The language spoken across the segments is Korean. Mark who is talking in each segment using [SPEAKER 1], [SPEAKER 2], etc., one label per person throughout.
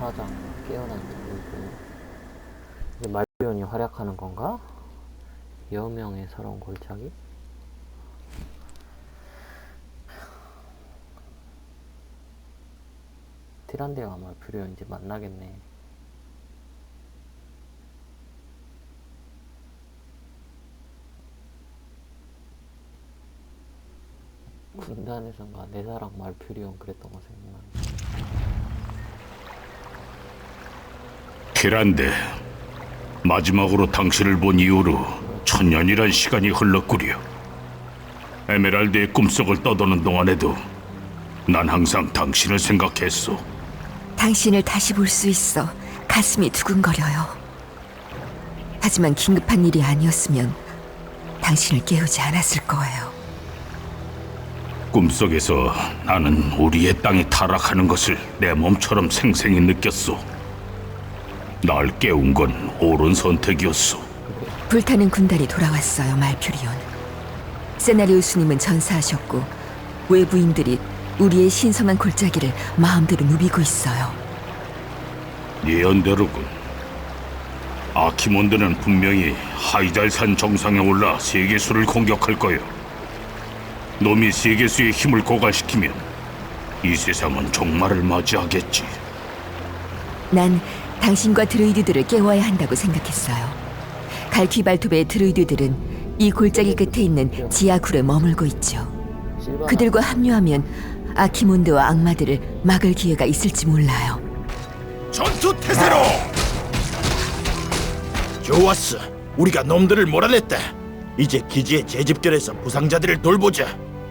[SPEAKER 1] 사장 깨어난 둥이고 이제 말비온이 활약하는 건가? 여명의 서러운 골짜기? 티란데가 말비온 이제 만나겠네. 군단에선가 내 사랑 말퓨리온 그랬던 거 생각나네.
[SPEAKER 2] 티란데, 마지막으로 당신을 본 이후로 천년이란 시간이 흘렀구려. 에메랄드의 꿈속을 떠도는 동안에도 난 항상 당신을 생각했소.
[SPEAKER 3] 당신을 다시 볼 수 있어 가슴이 두근거려요. 하지만 긴급한 일이 아니었으면 당신을 깨우지 않았을 거예요.
[SPEAKER 2] 꿈속에서 나는 우리의 땅이 타락하는 것을 내 몸처럼 생생히 느꼈소. 날 깨운 건 옳은 선택이었소.
[SPEAKER 3] 불타는 군단이 돌아왔어요, 말퓨리온. 세나리우스님은 전사하셨고 외부인들이 우리의 신성한 골짜기를 마음대로 누비고 있어요.
[SPEAKER 2] 예언대로군. 아키몬드는 분명히 하이잘산 정상에 올라 세계수를 공격할 거요. 놈이 세계수의 힘을 고갈시키면 이 세상은 종말을 맞이하겠지.
[SPEAKER 3] 난 당신과 드루이드들을 깨워야 한다고 생각했어요. 갈퀴발톱의 드루이드들은 이 골짜기 끝에 있는 지하굴에 머물고 있죠. 그들과 합류하면 아키몬드와 악마들을 막을 기회가 있을지 몰라요.
[SPEAKER 4] 전투 태세로! 좋았어. 우리가 놈들을 몰아냈다. 이제 기지에 재집결해서 부상자들을 돌보자.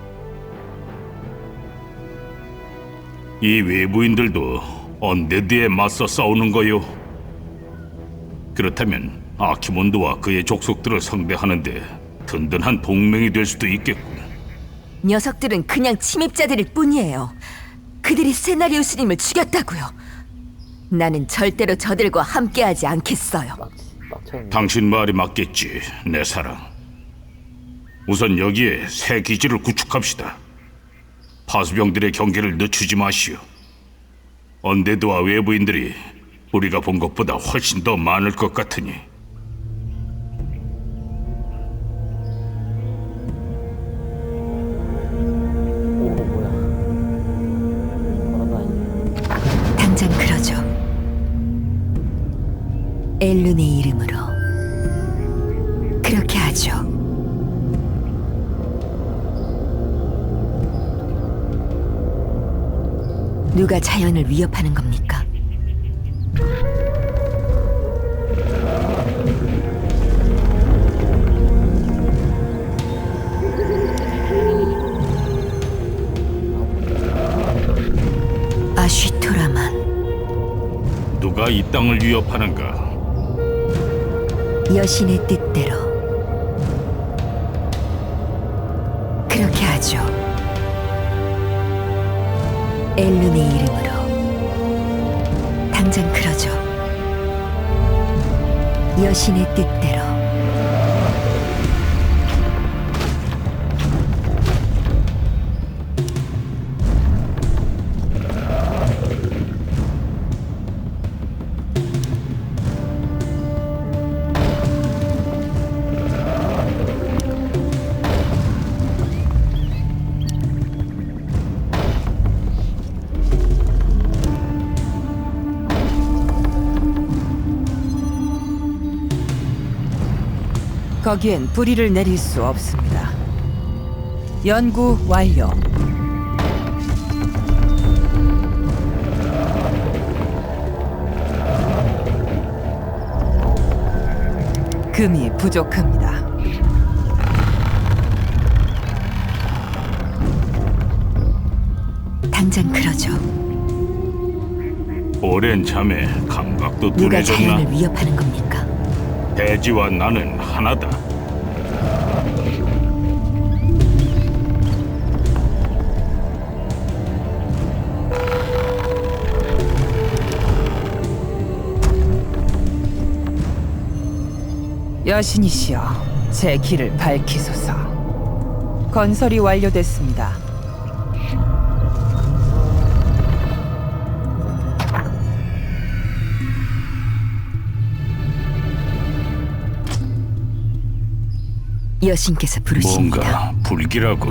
[SPEAKER 2] 이 외부인들도 언데드에 맞서 싸우는 거요. 그렇다면 아키몬드와 그의 족속들을 상대하는데 든든한 동맹이 될 수도 있겠군.
[SPEAKER 3] 녀석들은 그냥 침입자들일 뿐이에요. 그들이 세나리우스님을 죽였다고요. 나는 절대로 저들과 함께하지 않겠어요.
[SPEAKER 1] 빡쳤네.
[SPEAKER 2] 당신 말이 맞겠지, 내 사랑. 우선 여기에 새 기지를 구축합시다. 파수병들의 경계를 늦추지 마시오. 언데드와 외부인들이 우리가 본 것보다 훨씬 더 많을 것 같으니.
[SPEAKER 1] 오 뭐야. 걸어다니네.
[SPEAKER 3] 당장 그러죠. 엘룬의 이름으로 그렇게 하죠. 누가 자연을 위협하는 겁니까? 아쉬토라만.
[SPEAKER 2] 누가 이 땅을 위협하는가?
[SPEAKER 3] 여신의 뜻대로 그렇게 하죠. 엘룬의 이름으로 당장 그러죠. 여신의 뜻대로.
[SPEAKER 5] 거기엔 뿌리를 내릴 수 없습니다. 연구 완료. 금이 부족합니다.
[SPEAKER 3] 당장 그러죠.
[SPEAKER 2] 오랜 잠에 감각도
[SPEAKER 3] 누가
[SPEAKER 2] 둔해졌나?
[SPEAKER 3] 자연을 위협하는 겁니까?
[SPEAKER 2] 대지와 나는 하나다.
[SPEAKER 5] 여신이시여, 제 길을 밝히소서. 건설이 완료됐습니다.
[SPEAKER 3] 여신께서 부르십니다.
[SPEAKER 2] 뭔가 불길하군.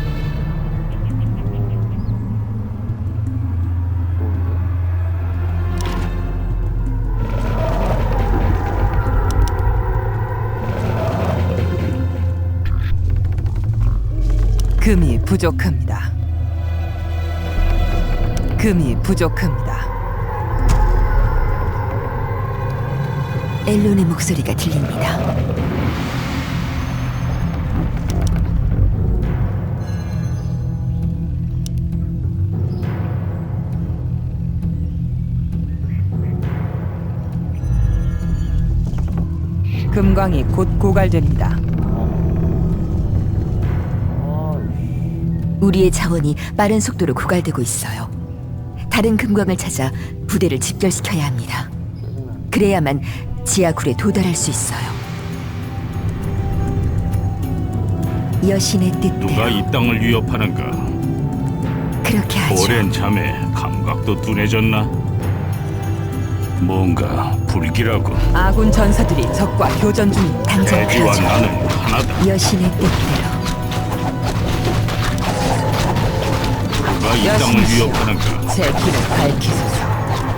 [SPEAKER 5] 금이 부족합니다. 금이 부족합니다.
[SPEAKER 3] 엘론의 목소리가 들립니다.
[SPEAKER 5] 금광이 곧 고갈됩니다.
[SPEAKER 3] 우리의 자원이 빠른 속도로 고갈되고 있어요. 다른 금광을 찾아 부대를 집결시켜야 합니다. 그래야만 지하굴에 도달할 수 있어요. 여신의
[SPEAKER 2] 누가
[SPEAKER 3] 뜻대로
[SPEAKER 2] 이 땅을 위협하는가?
[SPEAKER 3] 그렇게 하죠.
[SPEAKER 2] 오랜 잠에 감각도 둔해졌나? 뭔가 불길하군.
[SPEAKER 5] 아군 전사들이 적과 교전 중입니다.
[SPEAKER 3] 당장
[SPEAKER 2] 대지와
[SPEAKER 3] 그러죠.
[SPEAKER 2] 나는 하나다.
[SPEAKER 3] 여신의 뜻대로
[SPEAKER 2] 누가 이 땅을
[SPEAKER 5] 여신이시여,
[SPEAKER 2] 위협하는가?
[SPEAKER 5] 제 길을 밝히소서.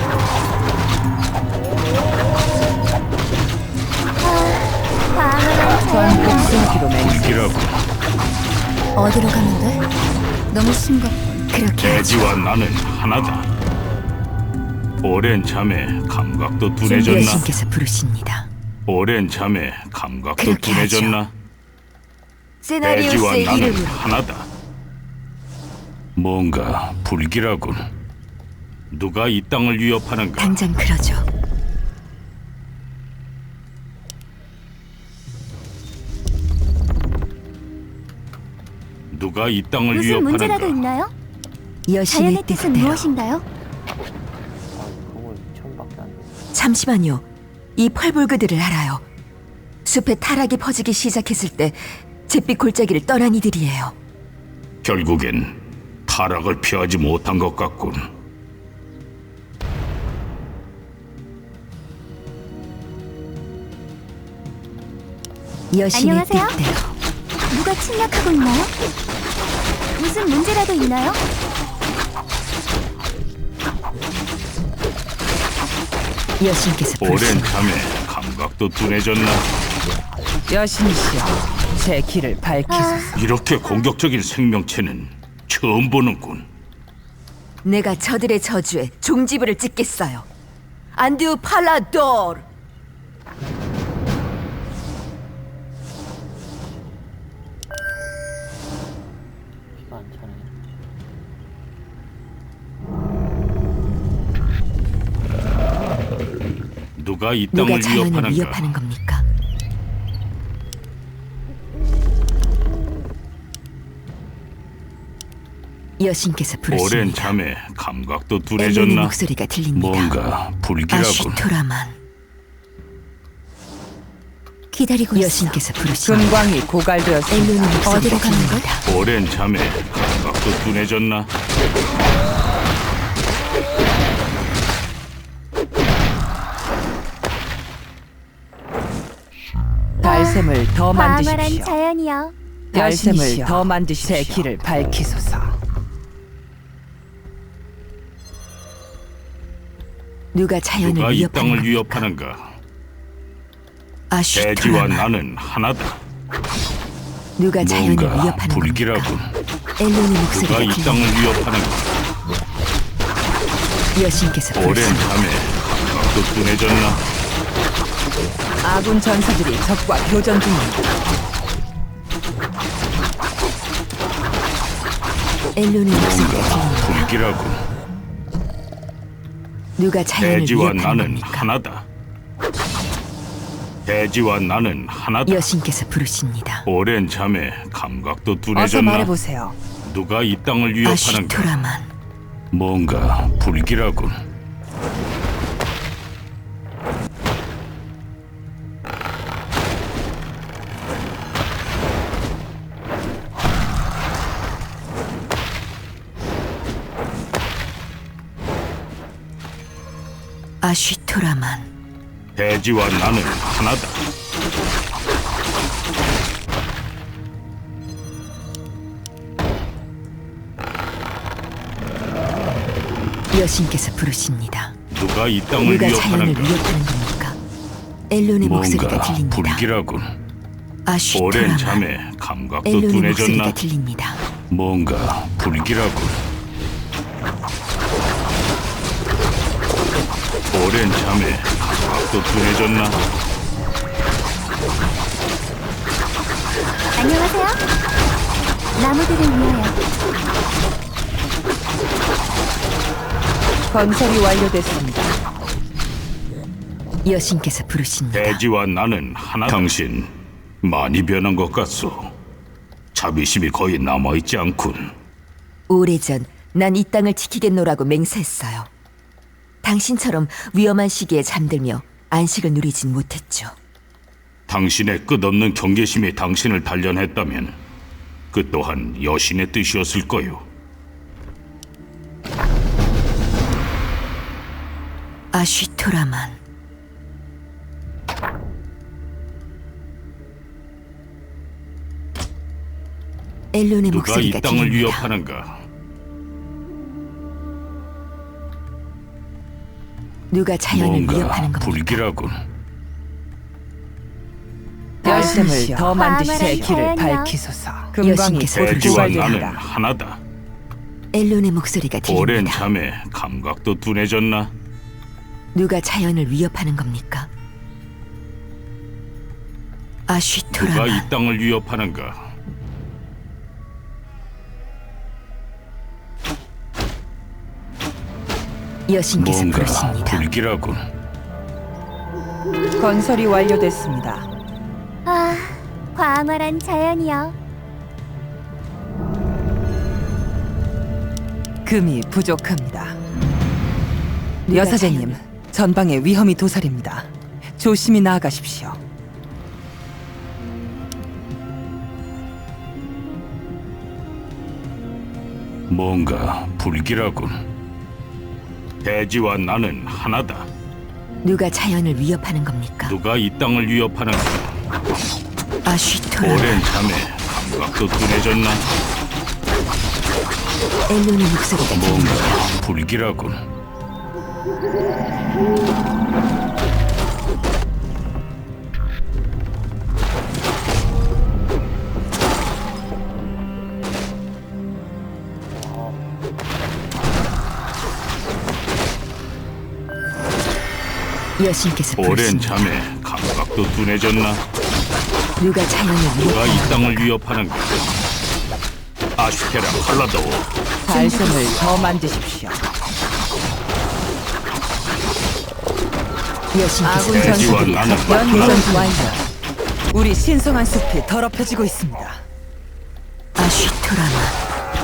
[SPEAKER 5] 전 복수하기로 맹세.
[SPEAKER 2] 불길하군.
[SPEAKER 6] 어디로 가면 돼? 너무 심각해.
[SPEAKER 3] 그렇게 하죠.
[SPEAKER 2] 대지와 나는 하나다. 오랜 잠에 감각도 둔해졌나?
[SPEAKER 3] 여신께서 부르십니다.
[SPEAKER 2] 오랜 잠에 감각도
[SPEAKER 3] 그렇게
[SPEAKER 2] 둔해졌나? 대지와
[SPEAKER 3] 세나리우스의
[SPEAKER 2] 나는
[SPEAKER 3] 이름으로
[SPEAKER 2] 하나다. 뭔가 불길하군. 누가 이 땅을 위협하는가?
[SPEAKER 3] 당장 그러죠.
[SPEAKER 2] 누가 이 땅을
[SPEAKER 6] 무슨 문제라도
[SPEAKER 2] 위협하는가?
[SPEAKER 6] 있나요?
[SPEAKER 3] 여신의
[SPEAKER 6] 자연의 뜻은
[SPEAKER 3] 뜻대로.
[SPEAKER 6] 무엇인가요?
[SPEAKER 1] 그걸 처음밖에 안 돼.
[SPEAKER 3] 잠시만요. 이 펄볼그들을 알아요. 숲에 타락이 퍼지기 시작했을 때 잿빛 골짜기를 떠난 이들이에요.
[SPEAKER 2] 결국엔 타락을 피하지 못한 것 같군.
[SPEAKER 3] 여신의
[SPEAKER 6] 안녕하세요?
[SPEAKER 3] 뜻대로
[SPEAKER 6] 누가 침략하고 있나요? 무슨 문제라도 있나요?
[SPEAKER 3] 여신께서
[SPEAKER 2] 오랜
[SPEAKER 3] 부르십니다.
[SPEAKER 2] 잠에 감각도 둔해졌나?
[SPEAKER 5] 여신이시여, 제 길을 밝히소서.
[SPEAKER 2] 이렇게 공격적인 생명체는 처음 보는군.
[SPEAKER 3] 내가 저들의 저주에 종지부를 찍겠어요. 안듀 팔라도르.
[SPEAKER 1] 피가 안 차네.
[SPEAKER 2] 누가 이
[SPEAKER 3] 누가
[SPEAKER 2] 땅을
[SPEAKER 3] 자연을
[SPEAKER 2] 위협하는가?
[SPEAKER 3] 위협하는 겁니까? 여신께서
[SPEAKER 2] 오랜
[SPEAKER 3] 부르십니다.
[SPEAKER 2] 잠에 감각도
[SPEAKER 3] 엘렌의
[SPEAKER 2] 둔해졌나?
[SPEAKER 3] 목소리가 들립니다.
[SPEAKER 2] 뭔가 불길하군.
[SPEAKER 3] 아쉬토라만.
[SPEAKER 6] 기다리고 있어.
[SPEAKER 3] 여신께서 부르십니다.
[SPEAKER 5] 금광이 고갈되었습니다.
[SPEAKER 3] 엘렌의 목소리가
[SPEAKER 6] 어디로 가는
[SPEAKER 3] 들립니다.
[SPEAKER 2] 오랜 잠에 감각도 둔해졌나?
[SPEAKER 5] 달샘을 더
[SPEAKER 6] 광활한
[SPEAKER 5] 만드십시오.
[SPEAKER 6] 자연이여.
[SPEAKER 5] 달샘을
[SPEAKER 3] 여신이시여,
[SPEAKER 5] 더 만드십시오. 제 길을 밝히소서.
[SPEAKER 3] 누가 자연을
[SPEAKER 2] 누가 이
[SPEAKER 3] 위협하는
[SPEAKER 2] 땅을
[SPEAKER 3] 겁니까?
[SPEAKER 2] 위협하는가? 대지와
[SPEAKER 3] 아쉬토라만.
[SPEAKER 2] 나는 하나다.
[SPEAKER 3] 누가 자연을
[SPEAKER 2] 뭔가
[SPEAKER 3] 위협하는
[SPEAKER 2] 불길하군.
[SPEAKER 3] 겁니까? 엘렌의
[SPEAKER 2] 누가
[SPEAKER 3] 목소리가
[SPEAKER 2] 이 땅을
[SPEAKER 3] 들립니다.
[SPEAKER 2] 위협하는가?
[SPEAKER 3] 여신께서
[SPEAKER 2] 오랜
[SPEAKER 3] 부르십니다.
[SPEAKER 2] 잠에 감각도 둔해졌나?
[SPEAKER 5] 아군 전사들이 적과 교전 중입니다.
[SPEAKER 3] 엘론의 목소리가
[SPEAKER 2] 뭔가
[SPEAKER 3] 들립니다.
[SPEAKER 2] 불길하군.
[SPEAKER 3] 누가 자연을
[SPEAKER 2] 대지와
[SPEAKER 3] 위협하는
[SPEAKER 2] 나는
[SPEAKER 3] 겁니까?
[SPEAKER 2] 하나다. 대지와 나는 하나다.
[SPEAKER 3] 여신께서 부르십니다.
[SPEAKER 2] 오랜 잠에 감각도
[SPEAKER 5] 어서
[SPEAKER 2] 둔해졌나?
[SPEAKER 5] 말해보세요.
[SPEAKER 2] 누가 이 땅을 위협하는가?
[SPEAKER 3] 아쉬토라만.
[SPEAKER 2] 뭔가 불길하군.
[SPEAKER 3] 아쉬토라만.
[SPEAKER 2] 대지와 나는 하나다.
[SPEAKER 3] 여신께서 부르십니다.
[SPEAKER 2] 누가 이 땅을
[SPEAKER 3] 누가 자연을
[SPEAKER 2] 위협하는가?
[SPEAKER 3] 위협하는 겁니까? 엘론의 목소리가
[SPEAKER 2] 뭔가
[SPEAKER 3] 들립니다.
[SPEAKER 2] 불길하군. 오랜
[SPEAKER 3] 아쉬토라마.
[SPEAKER 2] 잠에 감각도
[SPEAKER 3] 엘론의
[SPEAKER 2] 둔해졌나?
[SPEAKER 3] 목소리가 들립니다.
[SPEAKER 2] 뭔가 불길하군. 오랜 잠에 감각도 둔해졌나?
[SPEAKER 6] 안녕하세요. 나무들을 위하여.
[SPEAKER 5] 건설이 완료됐습니다.
[SPEAKER 3] 여신께서 부르십니다.
[SPEAKER 2] 대지와 나는 하나. 당신 많이 변한 것 같소. 자비심이 거의 남아있지 않군.
[SPEAKER 3] 오래전 난 이 땅을 지키겠노라고 맹세했어요. 당신처럼 위험한 시기에 잠들며 안식을 누리진 못했죠.
[SPEAKER 2] 당신의 끝없는 경계심이 당신을 단련했다면 그 또한 여신의 뜻이었을 거요.
[SPEAKER 3] 아쉬토라만. 엘론의
[SPEAKER 2] 누가 이
[SPEAKER 3] 목소리가
[SPEAKER 2] 땅을
[SPEAKER 3] 들립니다.
[SPEAKER 2] 위협하는가?
[SPEAKER 3] 누가 자연을
[SPEAKER 2] 뭔가
[SPEAKER 3] 위협하는 겁니까?
[SPEAKER 2] 불길하군.
[SPEAKER 5] 열쇠를 더 만드시오. 새 길을
[SPEAKER 6] 자연이요.
[SPEAKER 5] 밝히소서. 금광이
[SPEAKER 3] 여신께서
[SPEAKER 5] 곧
[SPEAKER 2] 대지와 나는
[SPEAKER 5] 부활됩니다.
[SPEAKER 2] 하나다.
[SPEAKER 3] 엘론의 목소리가
[SPEAKER 2] 오랜
[SPEAKER 3] 들립니다.
[SPEAKER 2] 잠에 감각도 둔해졌나?
[SPEAKER 3] 누가 자연을 위협하는 겁니까?
[SPEAKER 2] 누가
[SPEAKER 3] 아쉬토라만.
[SPEAKER 2] 이 땅을 위협하는가?
[SPEAKER 3] 여신께서
[SPEAKER 2] 뭔가
[SPEAKER 3] 부르십니다.
[SPEAKER 2] 불길하군.
[SPEAKER 5] 건설이 완료됐습니다.
[SPEAKER 6] 아, 광활한 자연이여.
[SPEAKER 5] 금이 부족합니다. 여사제님, 전방에 위험이 도사립니다. 조심히 나아가십시오.
[SPEAKER 2] 뭔가 불길하군. 대지와 나는 하나다.
[SPEAKER 3] 누가 자연을 위협하는 겁니까?
[SPEAKER 2] 누가 이 땅을 위협하는가?
[SPEAKER 3] 아쉬토라만.
[SPEAKER 2] 오랜 잠에 감각도 둔해졌나?
[SPEAKER 3] 엘론의 목소리가
[SPEAKER 2] 뭔가
[SPEAKER 3] 들립니다.
[SPEAKER 2] 불길하군.
[SPEAKER 3] 여신께서
[SPEAKER 2] 오랜
[SPEAKER 3] 부르십니다.
[SPEAKER 2] 잠에 감각도 둔해졌나?
[SPEAKER 3] 누가 자연을
[SPEAKER 2] 누가
[SPEAKER 3] 위협하는
[SPEAKER 2] 이 땅을 위협하는가? 아슈테라 칼라도워.
[SPEAKER 5] 달샘을 더 만드십시오.
[SPEAKER 3] 여신께서
[SPEAKER 5] 아군
[SPEAKER 2] 대지와
[SPEAKER 5] 전투들이
[SPEAKER 2] 나는
[SPEAKER 5] 연전 완료. 우리 신성한 숲이 더럽혀지고 있습니다.
[SPEAKER 3] 아쉬토라만.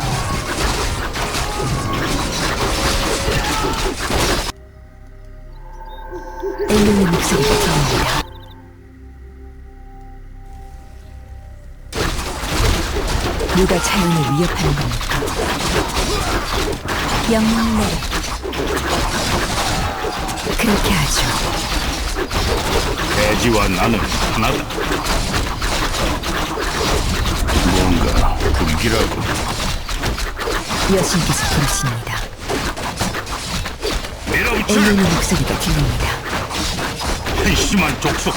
[SPEAKER 3] 엘론의 목소리가 들립니다. 누가 자연을 위협하는 겁니까?
[SPEAKER 6] 영웅 내려.
[SPEAKER 3] 그렇게 하죠.
[SPEAKER 2] 대지와 나는 하나다. 뭔가 불길하고
[SPEAKER 3] 여신께서 부르십니다.
[SPEAKER 2] 밀어붙여
[SPEAKER 3] 엘론의 목소리가 들립니다.
[SPEAKER 2] 한심한 족속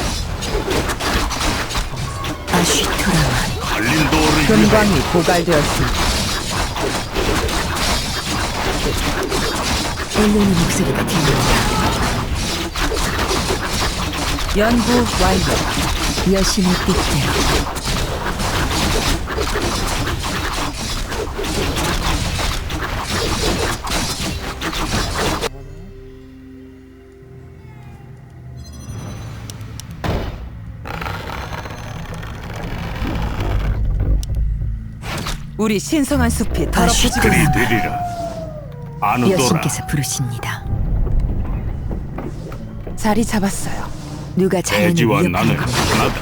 [SPEAKER 3] 아쉬토라만.
[SPEAKER 2] 갈린도어를 위해
[SPEAKER 5] 금광이 고갈되었습니다.
[SPEAKER 3] 엘론의 목소리가 들립니다.
[SPEAKER 5] 연구 완료.
[SPEAKER 3] 여신의 뜻대로.
[SPEAKER 5] 우리 신성한 숲이 더럽혀지고
[SPEAKER 2] 그리
[SPEAKER 5] 있습니다.
[SPEAKER 2] 되리라. 아누도라.
[SPEAKER 3] 여신께서 부르십니다.
[SPEAKER 5] 자리 잡았어요.
[SPEAKER 3] 누가 자연을
[SPEAKER 2] 대지와
[SPEAKER 3] 위협하는
[SPEAKER 2] 나는
[SPEAKER 3] 겁니까?
[SPEAKER 2] 하나다.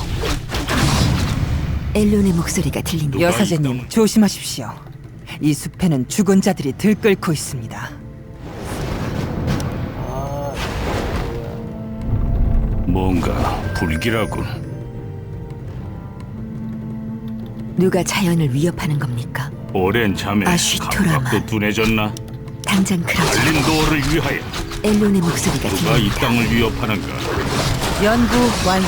[SPEAKER 3] 엘론의 목소리가 들립니다.
[SPEAKER 2] 누가 이
[SPEAKER 5] 여사제님,
[SPEAKER 2] 땅을-
[SPEAKER 5] 조심하십시오. 이 숲에는 죽은 자들이 들끓고 있습니다.
[SPEAKER 2] 뭔가 불길하군.
[SPEAKER 3] 누가 자연을 위협하는 겁니까?
[SPEAKER 2] 오랜 잠에
[SPEAKER 3] 아쉬토라만.
[SPEAKER 2] 감각도 둔해졌나?
[SPEAKER 3] 당장 그러죠.
[SPEAKER 2] 엘린도어를 위하여
[SPEAKER 3] 엘론의 목소리가
[SPEAKER 2] 누가 이
[SPEAKER 3] 들립니다.
[SPEAKER 2] 땅을 위협하는가?
[SPEAKER 5] 연구 완료.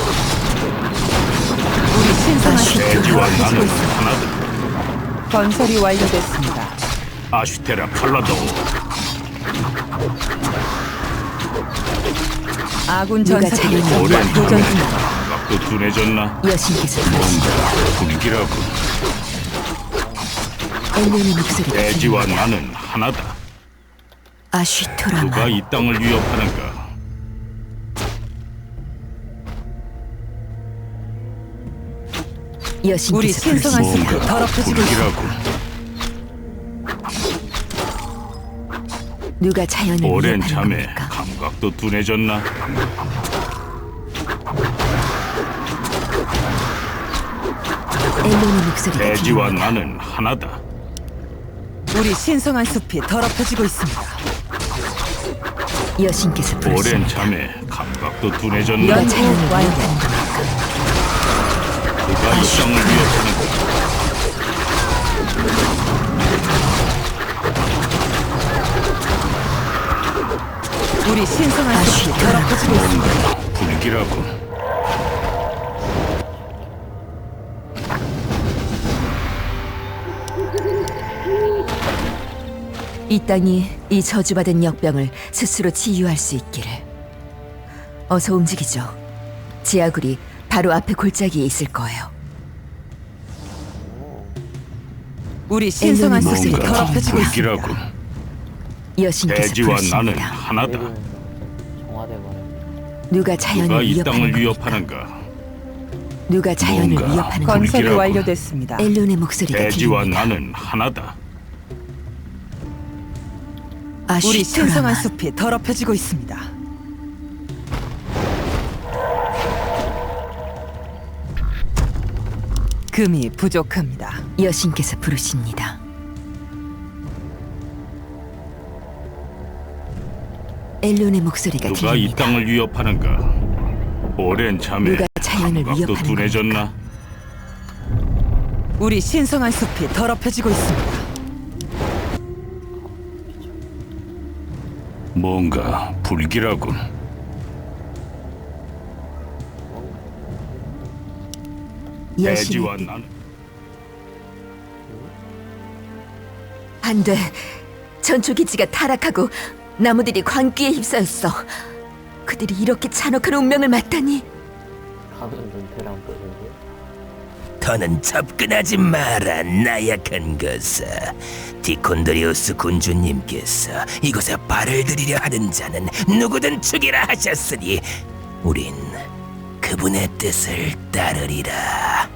[SPEAKER 5] 우리 신성한 숲이
[SPEAKER 2] 대지와
[SPEAKER 5] 더럽혀지고
[SPEAKER 2] 나는
[SPEAKER 5] 있습니다.
[SPEAKER 2] 하나다.
[SPEAKER 5] 건설이 완료됐습니다.
[SPEAKER 2] 아슈테라 팔라도어.
[SPEAKER 5] 아군
[SPEAKER 3] 누가
[SPEAKER 5] 전사들이
[SPEAKER 3] 자연을
[SPEAKER 2] 오랜
[SPEAKER 5] 적과 교전
[SPEAKER 2] 밤에
[SPEAKER 5] 중입니다.
[SPEAKER 2] 감각도 둔해졌나?
[SPEAKER 3] 여신께서 부르십니다.
[SPEAKER 2] 분기라군.
[SPEAKER 3] 엘론의 목소리가
[SPEAKER 2] 대지와
[SPEAKER 3] 들립니다.
[SPEAKER 2] 나는 하나다. 누가
[SPEAKER 3] 아쉬토라만
[SPEAKER 2] 이 땅을 위협하는가?
[SPEAKER 5] 우리
[SPEAKER 3] 여신께서
[SPEAKER 5] 신성한
[SPEAKER 3] 부르십니다.
[SPEAKER 5] 숲이 더럽혀지고 있습니다.
[SPEAKER 2] 분기라군.
[SPEAKER 3] 누가 자연을
[SPEAKER 2] 오랜
[SPEAKER 3] 위협하는
[SPEAKER 2] 잠에
[SPEAKER 3] 겁니까?
[SPEAKER 2] 감각도 둔해졌나?
[SPEAKER 3] 엘론의 목소리가
[SPEAKER 2] 대지와
[SPEAKER 3] 들립니다.
[SPEAKER 2] 나는 하나다.
[SPEAKER 5] 우리 신성한 숲이 더럽혀지고 있습니다.
[SPEAKER 3] 여신께서
[SPEAKER 2] 오랜
[SPEAKER 3] 부르십니다.
[SPEAKER 2] 잠에 감각도 둔해졌나?
[SPEAKER 3] 누가
[SPEAKER 5] 연구
[SPEAKER 3] 자연을
[SPEAKER 5] 완료.
[SPEAKER 3] 위협하는 겁니까?
[SPEAKER 2] 누가 이 땅을 위협하는가?
[SPEAKER 5] 우리 신성한 숲이 더럽혀지고 있습니다.
[SPEAKER 2] 불길하군.
[SPEAKER 3] 이 땅이 이 저주받은 역병을 스스로 치유할 수 있기를. 어서 움직이죠. 지하굴이 바로 앞에 골짜기에 있을 거예요.
[SPEAKER 5] 우리 신성한
[SPEAKER 3] 엘론의
[SPEAKER 5] 숲이
[SPEAKER 3] 목소리가
[SPEAKER 5] 더럽혀지고 있습니다.
[SPEAKER 2] 불길하군.
[SPEAKER 3] 여신께서
[SPEAKER 2] 대지와 나는
[SPEAKER 3] 부르십니다.
[SPEAKER 2] 하나다.
[SPEAKER 1] 정화돼 버렸네.
[SPEAKER 3] 누가 자연을
[SPEAKER 2] 누가 이
[SPEAKER 3] 위협하는
[SPEAKER 2] 땅을
[SPEAKER 3] 겁니까?
[SPEAKER 2] 위협하는가?
[SPEAKER 3] 누가 자연을
[SPEAKER 2] 뭔가
[SPEAKER 3] 위협하는
[SPEAKER 2] 건-
[SPEAKER 3] 겁니까?
[SPEAKER 5] 건설이
[SPEAKER 2] 불길하군.
[SPEAKER 5] 완료됐습니다.
[SPEAKER 3] 엘론의 목소리가
[SPEAKER 2] 대지와
[SPEAKER 3] 들립니다.
[SPEAKER 2] 나는 하나다.
[SPEAKER 5] 우리 신성한
[SPEAKER 3] 아쉬토라만
[SPEAKER 5] 숲이 더럽혀지고 있습니다. 금이 부족합니다.
[SPEAKER 3] 여신께서 부르십니다. 엘론의 목소리가
[SPEAKER 2] 누가 이
[SPEAKER 3] 들립니다.
[SPEAKER 2] 땅을 위협하는가? 오랜 잠에
[SPEAKER 3] 누가 자연을
[SPEAKER 2] 감각도
[SPEAKER 3] 위협하는
[SPEAKER 2] 둔해졌나?
[SPEAKER 5] 우리 신성한 숲이 더럽혀지고 있습니다.
[SPEAKER 2] 뭔가 불길하군. 대지와
[SPEAKER 3] 여신의
[SPEAKER 2] 나는
[SPEAKER 3] 안돼. 전초기지가 타락하고 나무들이 광기에 휩싸였어. 그들이 이렇게 잔혹한 운명을 맞다니.
[SPEAKER 1] 하는 눈태랑 보는데.
[SPEAKER 7] 더는 접근하지 마라, 나약한 것아. 디콘드리우스 군주님께서 이곳에 발을 들이려 하는 자는 누구든 죽이라 하셨으니 우린 그분의 뜻을 따르리라.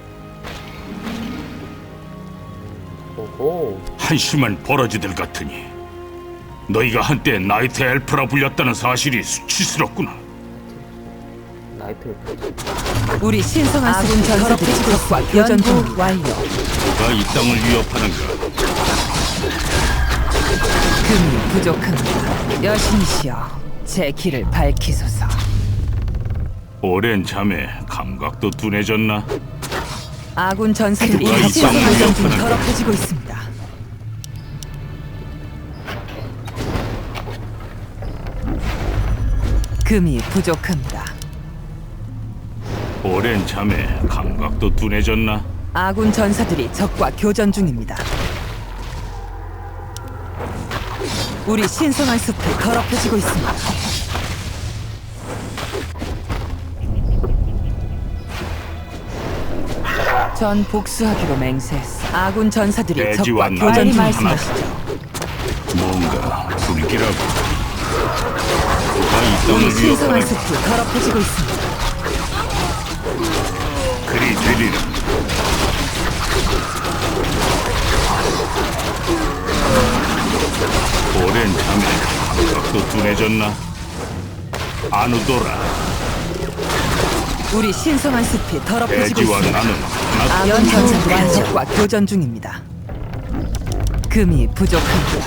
[SPEAKER 1] 오호.
[SPEAKER 2] 한심한 버러지들 같으니 너희가 한때 나이트 엘프라 불렸다는 사실이 수치스럽구나.
[SPEAKER 1] 나이트
[SPEAKER 5] 우리 신성한
[SPEAKER 3] 아군
[SPEAKER 5] 숲이
[SPEAKER 3] 전사들이
[SPEAKER 5] 더럽혀지고
[SPEAKER 3] 적과
[SPEAKER 5] 있습니다.
[SPEAKER 3] 교전
[SPEAKER 5] 연구
[SPEAKER 3] 중입니다.
[SPEAKER 5] 완료.
[SPEAKER 2] 누가 이 땅을 위협하는가?
[SPEAKER 5] 금이 부족합니다. 여신이시여, 제 길을 밝히소서.
[SPEAKER 2] 오랜 잠에 감각도 둔해졌나?
[SPEAKER 5] 아군 전사들이
[SPEAKER 2] 누가 이
[SPEAKER 5] 신성한
[SPEAKER 2] 땅을
[SPEAKER 5] 숲이
[SPEAKER 2] 위협하는가?
[SPEAKER 5] 더럽혀지고 있습니다. 금이 부족합니다.
[SPEAKER 2] 오랜 잠에 감각도 둔해졌나?
[SPEAKER 5] 아군 전사들이 적과 교전 중입니다. 우리 신성한 숲이 더럽혀지고 있습니다. 전 복수하기로 맹세했어. 아군 전사들이
[SPEAKER 2] 대지와
[SPEAKER 5] 적과
[SPEAKER 2] 나는
[SPEAKER 5] 교전
[SPEAKER 2] 하나.
[SPEAKER 5] 중입니다.
[SPEAKER 2] 뭔가 불길하고 누가 이
[SPEAKER 5] 우리
[SPEAKER 2] 땅을
[SPEAKER 5] 신성한
[SPEAKER 2] 위협하는가?
[SPEAKER 5] 숲이 더럽혀지고 있습니다.
[SPEAKER 2] 그리 되리라. 오랜 잠에 감각도 둔해졌나? 아누도라.
[SPEAKER 5] 우리 신성한 숲이 더럽혀지고
[SPEAKER 2] 대지와
[SPEAKER 5] 있습니다.
[SPEAKER 2] 나는 하나.
[SPEAKER 5] 아군
[SPEAKER 3] 연구
[SPEAKER 5] 전사들이
[SPEAKER 3] 완료.
[SPEAKER 5] 적과 교전 중입니다. 금이 부족합니다.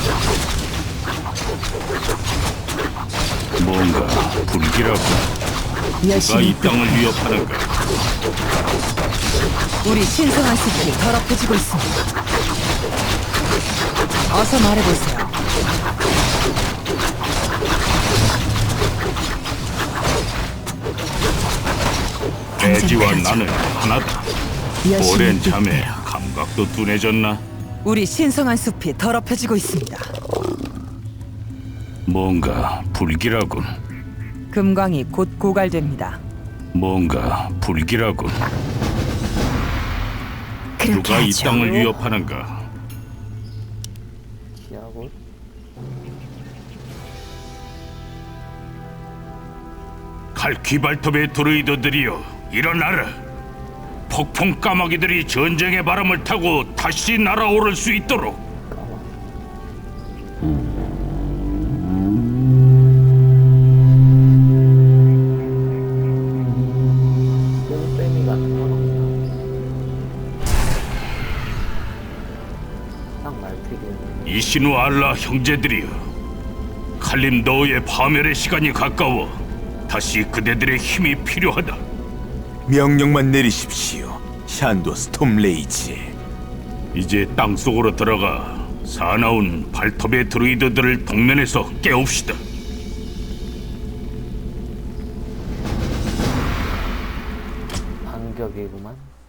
[SPEAKER 2] 뭔가 불길하고 누가 이
[SPEAKER 3] 여신이
[SPEAKER 2] 땅을 위협하는가?
[SPEAKER 5] 우리 신성한 숲이 더럽혀지고 있습니다. 어서 말해보세요.
[SPEAKER 3] 당장
[SPEAKER 2] 돼지와
[SPEAKER 3] 그러죠.
[SPEAKER 2] 나는 하나다.
[SPEAKER 3] 여신의
[SPEAKER 2] 오랜 잠에
[SPEAKER 3] 뜻대로.
[SPEAKER 2] 감각도 둔해졌나?
[SPEAKER 5] 우리 신성한 숲이 더럽혀지고 있습니다.
[SPEAKER 2] 뭔가 불길하군.
[SPEAKER 5] 금광이 곧 고갈됩니다.
[SPEAKER 2] 뭔가 불길하군.
[SPEAKER 3] 그렇게
[SPEAKER 2] 누가 이
[SPEAKER 3] 하죠.
[SPEAKER 2] 땅을 위협하는가?
[SPEAKER 1] 기하고
[SPEAKER 2] 칼퀴 발톱의 드루이더들이여 일어나라. 폭풍 까마귀들이 전쟁의 바람을 타고 다시 날아오를 수 있도록.
[SPEAKER 1] 똥빼미 같은 건 없나? 딱 말티기.
[SPEAKER 2] 이신우 알라 형제들이여, 칼림 너의 파멸의 시간이 가까워. 다시 그대들의 힘이 필요하다.
[SPEAKER 8] 명령만 내리십시오. 샨도 스톰레이지.
[SPEAKER 2] 이제 땅속으로 들어가 사나운 발톱의 드루이드들을 동면에서 깨웁시다.
[SPEAKER 1] 반격이구만.